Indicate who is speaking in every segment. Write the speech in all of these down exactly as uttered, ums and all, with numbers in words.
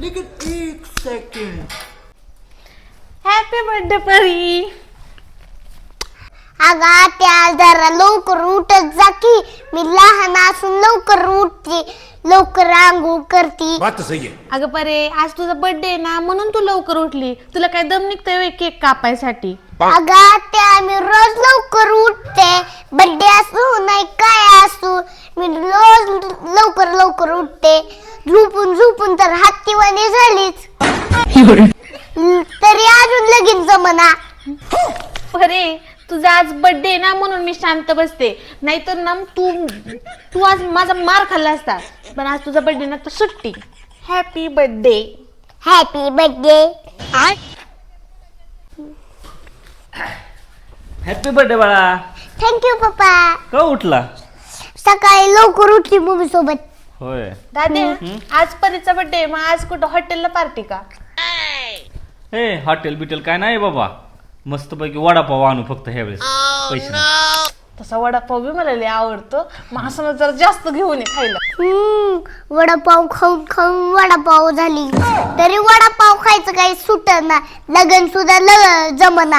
Speaker 1: लेकिन एक second.
Speaker 2: Happy birthday परी.
Speaker 3: अगं त्या जरा लवकर उठत जा की. मी लहान असून लवकर उठते, लवकर आंघोळ करते.
Speaker 1: बात तो सही है.
Speaker 2: अगं परे, आज तुझा बर्थडे आहे ना, म्हणून तू लवकर उठली. तुला काय दम निघतोय केक कापायसाठी?
Speaker 3: अगं त्या मी रोज लवकर उठते, बर्थडे असू नाही काय असू, मी रोज लवकर लवकर उठते. झोपून झोपून तर हत्तीवाणी झालीच, तरी अजून लगीन जमना.
Speaker 2: परे, तुझा आज बर्थडे आहे ना, म्हणून मी शांत बसते. नाहीतर ना तू तू आज माझा मार खाल्ला असता. पण आज तुझा बर्थडे ना, तर सुट्टी. Happy birthday.
Speaker 3: Happy birthday.
Speaker 4: Happy birthday बाळा.
Speaker 3: थँक्यू पप्पा.
Speaker 4: का उठला?
Speaker 3: सकाळी लवकर उठली मम्मी सोबत.
Speaker 4: होय.
Speaker 2: दादे, आज परीचा बर्थडे, मग आज कुठं हॉटेलला पार्टी का?
Speaker 4: हे हॉटेल बिटेल काय नाही बाबा, मस्त पैकी वडापाव आणू फक्त ह्यावेळेस. पैसे नाही.
Speaker 2: तसा वडापाव बी मला लय आवडतो. मग असं जरा जास्त घेऊन ये खायला.
Speaker 3: हम्म वडापाव खाऊन खाऊन वडापाव झाली, तरी वडापाव खायचं काही सुटना, लगन सुद्धा लग जमना.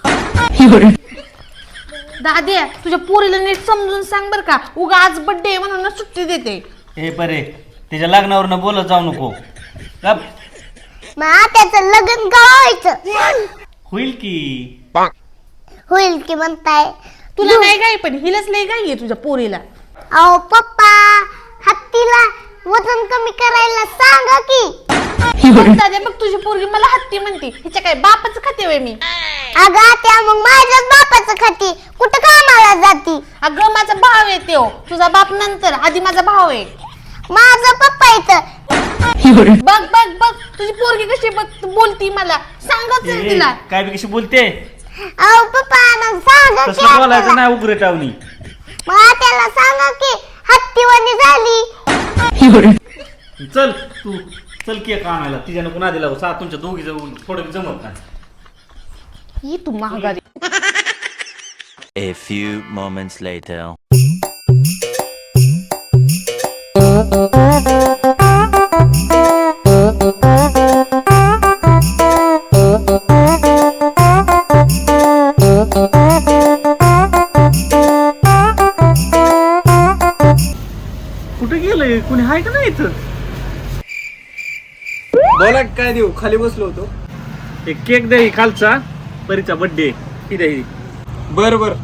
Speaker 2: दादे, तुझ्या पोरीला नीट समजून सांग बर का. उगा आज बर्थडे म्हणून ना सुट्टी देते.
Speaker 4: हे परे, त्याच्या लग्नावर न बोलत जाऊ नको. गप.
Speaker 3: मग त्याचं लगन का व्हायचं?
Speaker 4: होईल की.
Speaker 3: होईल की म्हणताय.
Speaker 2: तुला नाही गाई, पण हिलाच लय गाई आहे तुझ्या पोरीला.
Speaker 3: अहो पप्पा, हत्तीला वजन कमी करायला सांगा की.
Speaker 2: दादे, बघ तुझी पोरगी मला हत्ती म्हणते. हिच्या काय बापाचं खाते वय मी?
Speaker 3: अगं त्या मग माझ्याच बापाचं खाती, कुठं कामाला जाती?
Speaker 2: अगं माझा भाव आहे त्यो, तुझा बाप नंतर, आधी माझा भाव आहे.
Speaker 3: माझा पप्पा इथं.
Speaker 2: बघ बघ बघ तुझी पोरगी कशी बघ बोलती मला. सांगच
Speaker 4: ए,
Speaker 2: तिला.
Speaker 4: काय बी कशी बोलते?
Speaker 3: अहो पप्पा मग सांगा की
Speaker 4: तसं बोलायचं
Speaker 3: हत्तीला.
Speaker 4: नाही उग्र टावणी.
Speaker 3: मग त्याला सांगा की हत्तीवाणी झाली.
Speaker 4: चल तू चल केक आणायला. तिच्या नको ना दिला सा तुमच्या दोघी जवळ थोडं जमत नाही.
Speaker 2: ये तू महागारी.
Speaker 5: A few moments later.
Speaker 4: कुठे गेलंय? कुणी आहे का नाही इथं?
Speaker 6: बोला काय देऊ, खाली बसलो होतो.
Speaker 4: एक केक द्या खालचा, परीचा बर्थडे. ही द्या ही.
Speaker 6: बर बर.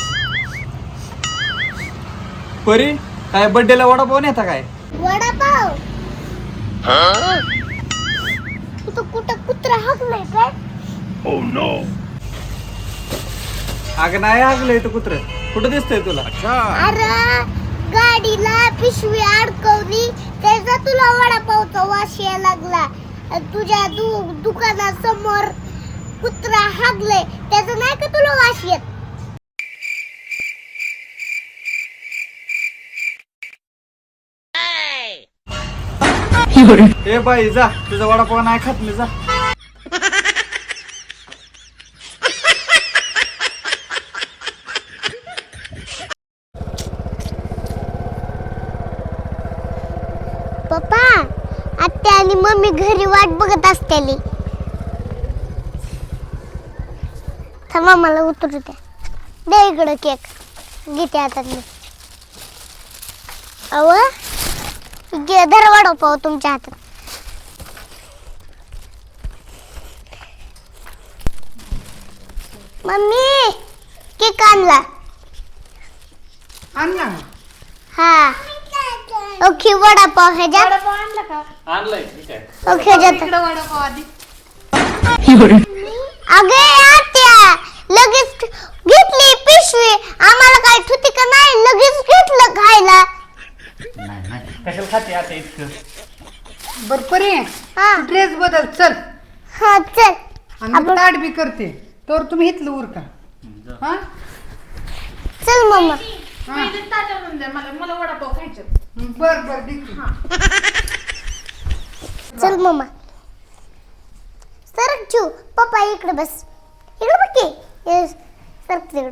Speaker 6: परी काय बर्थडेला वडापाव नेता काय?
Speaker 3: वडापाव कुठं कुठं कुत्रा हाकलाय काय?
Speaker 6: अगं नाही हागलंय तर कुत्र. कुठं दिसतंय तुला?
Speaker 3: अरे गाडीला पिशवी अडकवली, त्याचा तुला वडापावचा वास यायला लागला. तुझ्या दु दुकानासमोर कुत्रा हागलंय, त्याचा नाही का तुला वास येत?
Speaker 6: ए बाई जा, तुझा वडापाव नाही खात मी. जा.
Speaker 3: पप्पा, आत्या आणि मम्मी घरी वाट बघत असतेली. थांबा मला उतरू द्या. दे इकडं केक, घेते हातात मी. अव घे, धर वडापाव तुमच्या हातात. मम्मी केक आणला.
Speaker 7: आणला
Speaker 3: हा. ओके वडापाव ह्याच्यात.
Speaker 2: वडापाव आणला का?
Speaker 4: आणलंय ठीक आहे.
Speaker 3: ओके ह्याच्यात.
Speaker 2: इकडं वडापाव आधी.
Speaker 3: अगे आत्या, लगेच घेतली पिशवी. आम्हाला काय ठुती का नाही, लगेच घेतलं खायला.
Speaker 4: नाही नाही कशाला खाते आता इतकं?
Speaker 7: बर परी,
Speaker 3: हा
Speaker 7: ड्रेस बदल चल
Speaker 3: हा चल.
Speaker 7: आणि ताट बी करते तर तुम्ही इथलं उरका. हा
Speaker 3: चल मम्मा.
Speaker 2: पहिले ताट आणून द्या मला, मला वडापाव खायचे.
Speaker 7: बर बर देते.
Speaker 3: चल मम्मा. सरक चू. पप्पा इकडे बस. इकडे बघ की. येस सरक तिकडे.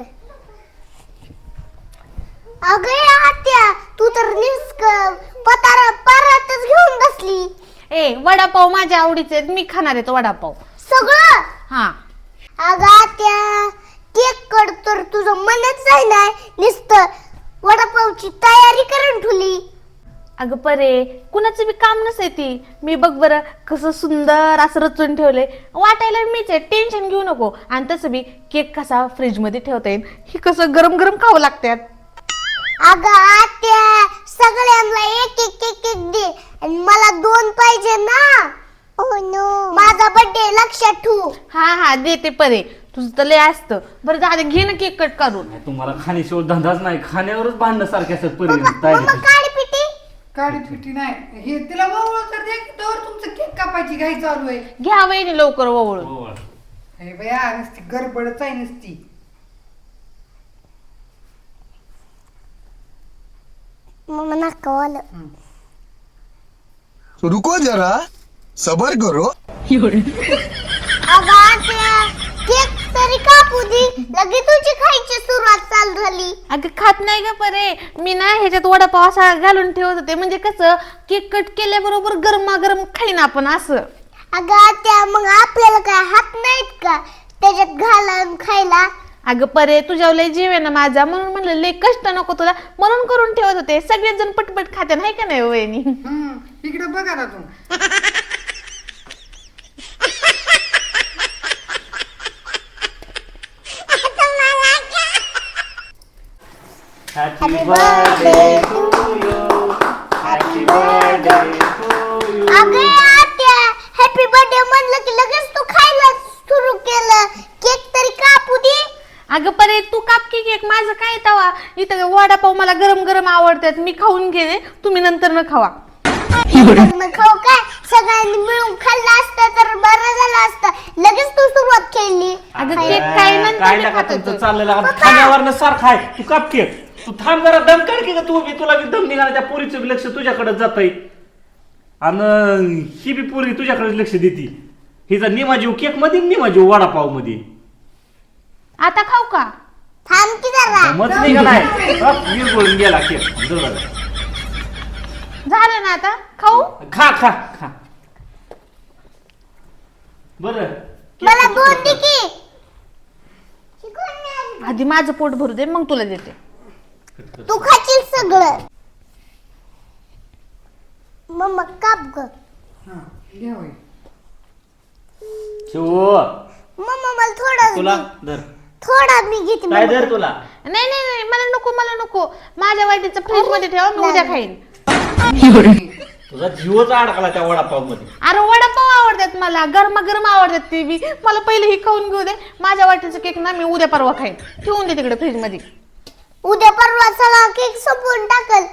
Speaker 3: अगं आत्या, तू तर निस्क पतारा पारातच घेऊन बसली.
Speaker 2: ए वडापाव माझ्या आवडीचे आहेत, मी खाणार आहे तो वडापाव.
Speaker 3: सगळं
Speaker 2: हा
Speaker 3: अगं त्या केक कड तर तुझं मनच आहे ना नुसतं वडापावची तयारी करून ठेवली.
Speaker 2: अगं परे कुणाचं बी काम नसे ती. मी बघ बरं कसं सुंदर असं रचून ठेवलंय, वाटायला मीच आहे, टेन्शन घेऊ नको. आणि तसं बी केक कसा फ्रीज मध्ये ठेवता येईल, ही कसं गरम गरम खावं लागतात.
Speaker 3: अगं आत्या सगळ्यांना एक एक एक एक दे आणि मला दोन पाहिजे ना. ओ नो माझा बर्थडे लक्षात ठेव.
Speaker 2: हा हा देते परे, तुझं तर लय असतं. बरं दादा घे ना केक कट करून.
Speaker 4: तुम्हाला खाण्याशिवाय धंदाच नाही, खाण्यावरच भांडणं सारखे असतात
Speaker 3: मम्मा
Speaker 4: पर्यंत.
Speaker 3: काढ पिटी.
Speaker 7: काळी पिटी नाही हे तिला वळवळ तर दे की तोवर तुमचं केक कापायची घाई चालू आहे.
Speaker 2: घ्या वहिनी लवकर ओवळून.
Speaker 4: हो.
Speaker 7: हे बया नुसती गडबडच आहे नुसती.
Speaker 3: मम्मा नका वाला.
Speaker 8: रुको जरा सबर करो.
Speaker 3: अगं आत्या केक तरी कापू दे, लगेच तुझी खायची सुरुवात चालू झाली.
Speaker 2: अगं खात नाही ग परे, मी ना ह्याच्यात वडापाव असा घालून ठेवत होते, म्हणजे कसं केक कट केल्याबरोबर गरमागरम खाईन आपण असं.
Speaker 3: अगं आत्या मग आपल्याला काय हात नाहीत का त्याच्यात घालून खायला.
Speaker 2: अगं परे तुझ्या लय जीव आहे ना माझा, म्हणून म्हणलं लय कष्ट नको तुला, म्हणून करून ठेवत होते. सगळेच जण पटपट खाते नाही का नाही वहिनी.
Speaker 7: हम्म इकडे बघा ना तू.
Speaker 4: Happy birthday to you. Happy birthday to you.
Speaker 3: अगं आत्या हॅपी बर्थडे म्हणलं की लगेच तू खायला सुरू केलं. केक तरी कापू दे.
Speaker 2: अगं परे तू काप की केक, माझं काय तवा. इथं वडापाव मला गरम गरम आवडतात, मी खाऊन घेते, तुम्ही नंतर न खावा.
Speaker 3: मग खाऊ काय सगळ्यांनी मिळून खाल्लं असतं तर बरं झालं असतं. लगेच तू सुरुवात केली.
Speaker 2: अगं केक काय नंतर
Speaker 4: काय
Speaker 2: मी
Speaker 4: नका
Speaker 2: खात
Speaker 4: तुमचं
Speaker 2: होतो.
Speaker 4: चाललेलं खाण्यावर सारखं आहे. तू काप केक, तू थांब जरा, दम काढ की ग तू बी. तुला बी दम निघाला, त्या पोरीचं बी लक्ष तुझ्याकडे जात आहे आणि ही बी पोरी तुझ्याकडे लक्ष देते. हिचा निमा जीव केक मध्ये, निमा जीव वडापाव मध्ये.
Speaker 2: आता खाऊ का?
Speaker 3: थांब की जरा.
Speaker 4: मत निघालाय विरघळून गेला केक. जवळ
Speaker 2: झालं ना आता खाऊ.
Speaker 4: खा खा खा. बरं
Speaker 3: मला दोन दे की.
Speaker 2: आधी माझं पोट भरू दे मग तुला देते.
Speaker 3: तू खाशील सगळं. मम्मा काप ग.
Speaker 7: हा घ्या होय.
Speaker 4: शिव
Speaker 3: मम्मा मला थोडा
Speaker 4: तुला धर.
Speaker 3: थोडा मी घेते.
Speaker 4: काय धर तुला.
Speaker 2: नाही नाही नाही मला नको मला नको. माझ्या वाटीचं फ्रीज मध्ये ठेवा, मी उद्या खाईन.
Speaker 4: तुझा जीवच अडकला त्या वडापाव मध्ये.
Speaker 2: अरे वडापाव आवडतात मला, गरमागरम आवडतात ते बी. मला पहिले ही खाऊन घेऊ दे. माझ्या वाटीचं केक ना मी उद्या परवा खाईन. ठेवून दे तिकडे फ्रीज मध्ये.
Speaker 3: उद्या परवा चला केक संपवून टाकल.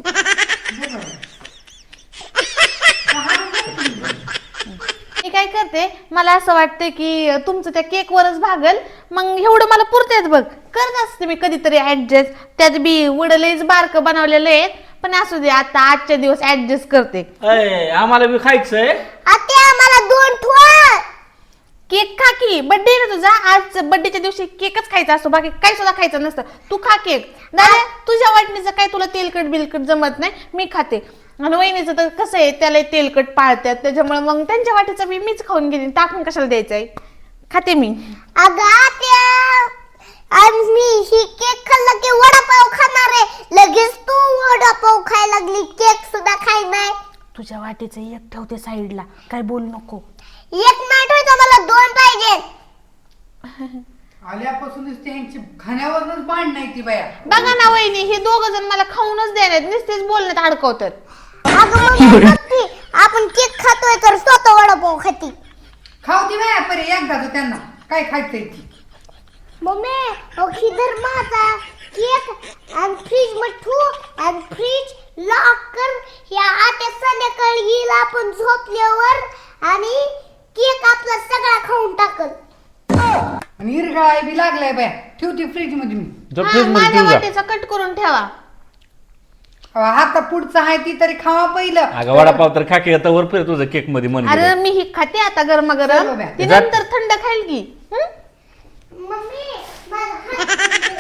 Speaker 2: मी काय करते, मला असं वाटतं की तुमचं त्या केक वरच भागल, मग एवढं मला पुरतेच बघ. करत असते मी कधीतरी ऍडजस्ट. त्यात बी वडलेच बारक बनवलेलं आहे, पण असू दे आता आजच्या दिवस ऍडजस्ट करते.
Speaker 4: अय, आम्हाला बी खायचंय.
Speaker 3: आता आम्हाला दोन ठोळ
Speaker 2: केक खा की, बर्थडे ना तुझा. आज बर्थडेच्या दिवशी केकच खायचा असतो, बाकी काही सुद्धा खायचं नसतं. तू खा केक. दादा तुझ्या वाटणीचं काय तुला तेलकट बिलकट जमत नाही, मी खाते. आणि वहिनीचं तर कसं आहे, त्याला तेलकट पाळतात, त्याच्यामुळे मग त्यांच्या वाटीचं मी मीच खाऊन घेते. टाकून कशाला द्यायचंय, खाते मी.
Speaker 3: अगं आत्या आम्ही ही केक खाल्ला की वडापाव खाणार आहे. लगेच तू वडापाव खायला लागली, केक सुद्धा खाय नाही.
Speaker 2: तुझ्या वाटीचं एक ठेवते साईडला, काय बोलू नको.
Speaker 3: एक नाही ठेवायचं, मला दोन पाहिजे.
Speaker 7: आल्यापासूनच त्यांची खाण्यावरच बांध नाही ती बाया.
Speaker 2: बघा ना वहिनी, हे दोघ जण मला खाऊनच देण्यात नुसतेच बोलण्यात अडकवतात.
Speaker 3: अगं मम्मी बघ की, आपण केक खातोय तर स्वतः वडापाव खाती.
Speaker 7: खाऊ ती बाया परे एकदा त्यांना काय खायचंय ती.
Speaker 3: मम्मी ओखी धर माझा केक आणि फ्रीज मध्ये ठेवू आणि फ्रीज लॉक कर. या आत्या संध्याकाळी येईल आपण झोपल्यावर आणि केक आपला सगळा खाऊन टाकल.
Speaker 7: आणि इरगाळा बी लागलाय बाया. ठेवते फ्रीज मध्ये मी.
Speaker 2: हा, माझ्या वाटीचा कट करून ठेवा.
Speaker 7: हाता पुढचा आहे ती तरी खावा पहिलं.
Speaker 4: अगं वडापाव तर खाके आता वर फिर तुझं केक मध्ये मन
Speaker 2: अरे मी ही खाते आता गरमागरम,
Speaker 7: चलो बाय.
Speaker 2: ती नंतर थंड खाईल की. हं?
Speaker 3: मम्मी माझा हात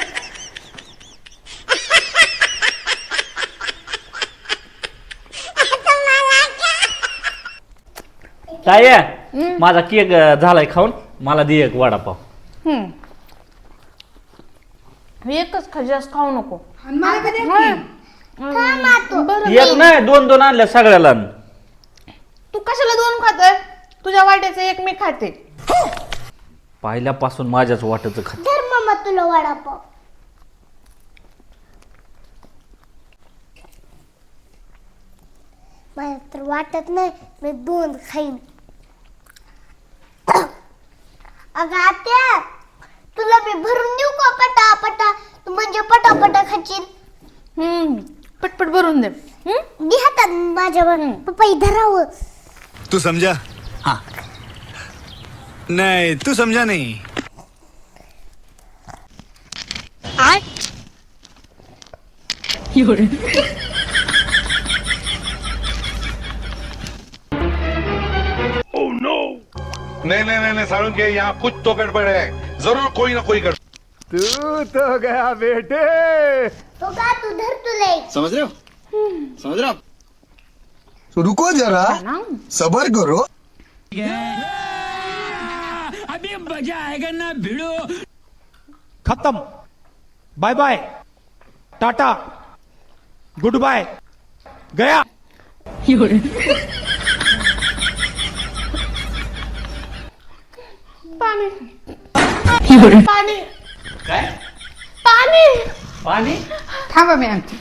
Speaker 4: काय आहे? माझा केक अं, झालाय खाऊन, मला दे एक वडापाव.
Speaker 2: हम्म. एकच खा, जास्त खाऊ नको.
Speaker 7: आणि मला कधी
Speaker 3: खा ना तू.
Speaker 2: बरं
Speaker 4: एक नाही दोन दोन आणल्या सगळ्याला.
Speaker 2: तू कशाला दोन खातोय? तुझ्या वाट्याचं एक मी खाते.
Speaker 4: पहिल्यापासून माझ्याच वाटच खात.
Speaker 3: धर मामा तुला वडापाव. मला तर वाटत नाही मी दोन खाईन. अगं आत्या, तुला मी भरून देऊ का पटा पटा? तू म्हणजे पटापटा खाशील.
Speaker 2: हम्म पटपट भरून दे. हम्म
Speaker 3: दे हातात माझ्यावर. पप्पा धरावं.
Speaker 8: तू समझा? हाँ. नहीं, तू समझा नहीं.
Speaker 9: नहीं नहीं नहीं, नहीं सारुण के यहाँ कुछ तो गड़बड़ है, जरूर कोई ना कोई गड़बड़.
Speaker 6: तू तो गया बेटे.
Speaker 3: तो का तू धर तुला एक.
Speaker 8: समझ रहे हो? समझ रहे हो? तो रुको जरा, सबर करो.
Speaker 10: खत्म. Bye bye, tata, good bye, गया.
Speaker 2: पाणी पाणी
Speaker 4: काय
Speaker 2: पाणी
Speaker 4: पाणी?
Speaker 7: थांबा मी आणते.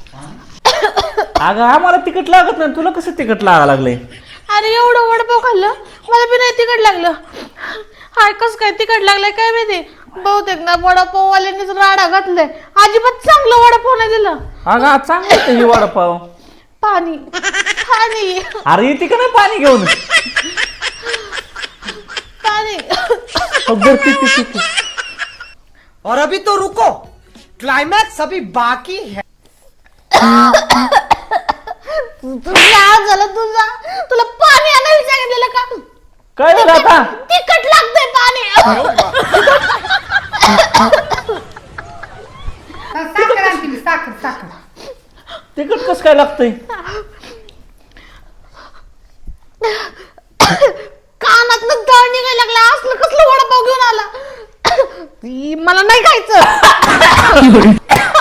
Speaker 4: अगं आम्हाला तिकट लागत नाही, तुला कसं तिकट लागा लागलंय?
Speaker 2: अरे एवढं वडापाव खाल्लं, मला बी नाही तिखट लागलं. हाय कस काय तिखट लागलंय काय माहिती. बहुतेक ना वडापाव वाल्यांनीच राडा घातलाय. अजिबात चांगलं वडापाव नाही दिलं.
Speaker 4: अगं चांगलं होतं हे वडापाव.
Speaker 2: पाणी पाणी
Speaker 4: अरे येते का नाही पाणी घेऊन?
Speaker 2: पाणी.
Speaker 4: बरं, ते- ते- ते- ते.
Speaker 1: और अभी तो रुको, क्लाइमैक्स अभी बाकी है.
Speaker 2: तुझा आज झालं तुझा. तुला पाणी आणायला सांगितलेलं का?
Speaker 4: काय झालं आता?
Speaker 2: तिखट लागतंय पाणी.
Speaker 7: साखर आणते मी, साखर साखर.
Speaker 4: तिकट कसं काय लागतंय?
Speaker 2: कानातनं तळ निघायला लागला. असलं कसलं वडापाव घेऊन आला? ई, मला नाही खायचं.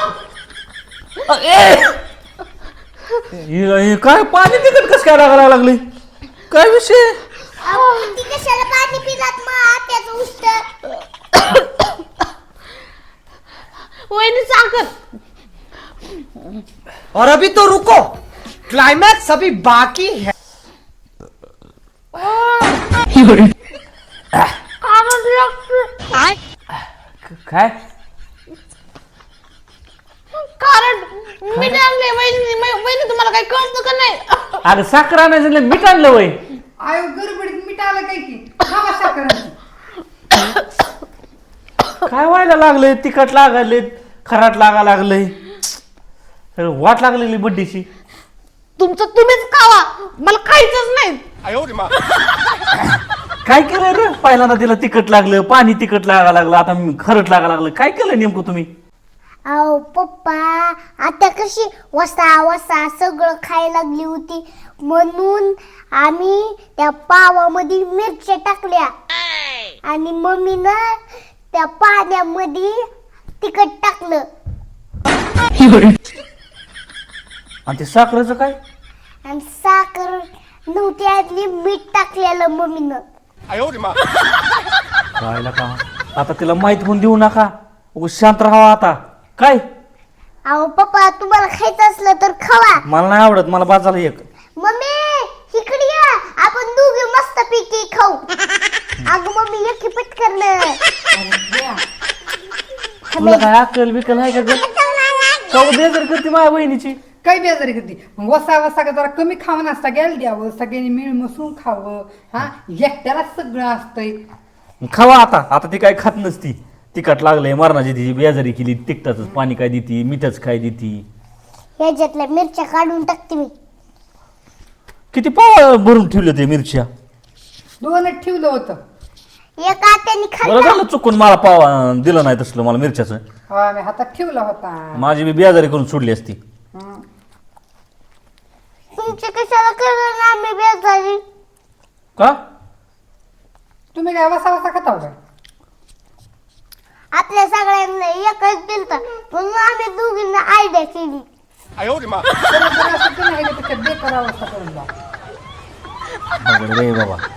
Speaker 4: हे- हे काय पाणी तिकट कसं काय लागायला लागले? काय विषय?
Speaker 3: अहो, ती कशाला पाणी पिलात मग आत्याचं उष्ट.
Speaker 2: वहिनी साखर.
Speaker 1: और अभी तो रुको, क्लाइमैक्स अभी बाकी है.
Speaker 2: कानात लागतं.
Speaker 4: काय
Speaker 2: कारण मी आणले वहिनी. वहिनी तुम्हाला काही कळतं का नाही?
Speaker 4: अगं साखर आणायचं नाही, मीठ आणलं वय.
Speaker 7: आयो गडबडीत मीठ आलं काय की. थांबा साखर आणते.
Speaker 4: काय व्हायला लागलंय? तिखट लागायले, खराट लागा लागलंय, सगळं वाट लागलेली बड्डीची.
Speaker 2: तुमचं तुम्हीच खावा, मला खायचंच नाही.
Speaker 4: काय केलंय रे? पहिल्यांदा तिला तिखट लागलं, पाणी तिखट लागा लागलं, आता खरट लागा लागलं. काय केलं नेमकं तुम्ही?
Speaker 3: अहो पप्पा, आता कशी वसा वसा सगळं खायला लागली होती, म्हणून आम्ही त्या पावामध्ये मिरच्या टाकल्या आणि मम्मीनं त्या पाण्यामध्ये तिखट टाकलं.
Speaker 4: आणि ते साखरेचं काय?
Speaker 3: आणि साखर नव्हती आतली, मीठ टाकलेलं मम्मीनं.
Speaker 4: राहिला का? आता तिला माहित होऊन देऊ नका, उगाच शांत राहावा आता. काय?
Speaker 3: अहो पप्पा, तुम्हाला खायचं असलं तर खावा.
Speaker 4: मला नाही आवडत, मला बाजाला एक.
Speaker 3: मम्मी इकडे या, आपण दोघे मस्त पैकी खाऊ. अगं मम्मी एक पटकन.
Speaker 4: तुला काय अक्कल बिकल आहे का ग? खाऊ बेजार करते माझ्या बहिणीची.
Speaker 7: काही बेजारी करते. मग वसा वसा का जरा कमी खावं नसता घ्यायला द्यावं, सगळ्यांनी मिळ मिसळून खावं. हा एकट्याला सगळं असतंय.
Speaker 4: खावा आता. आता ती काय खात नसती. तिखट लागलंय मरणाची, तिची बेजारी केली. तिखटाच पाणी काय देती, मीठच काय देती.
Speaker 3: ह्याच्यातल्या मिरच्या काढून टाकते मी.
Speaker 4: किती पाव भरून ठेवले ते मिरच्या?
Speaker 7: दोनच ठेवलं होतं.
Speaker 3: एक आत्याने
Speaker 4: बरं
Speaker 3: खाल्लं.
Speaker 4: झालं चुकून मला पाव अं, दिलं नाही तसलं मला मिरच्याचं.
Speaker 7: हा मी हातात ठेवला होता.
Speaker 4: माझी बी बेजारी करून सोडली असती.
Speaker 3: तुमच्या कशाला करणार आम्ही बेजारी?
Speaker 4: का
Speaker 7: तुम्ही काय वसा वसा खाता हो काय
Speaker 3: आपल्या सगळ्यांना एकच दिलत म्हणून आम्ही दोघींना आयडिया केली
Speaker 7: बरं, बरं, असं तुम्ही ह्याच्यापेक्षा बेकार अवस्था करून जा
Speaker 6: अवघड बाई बाबा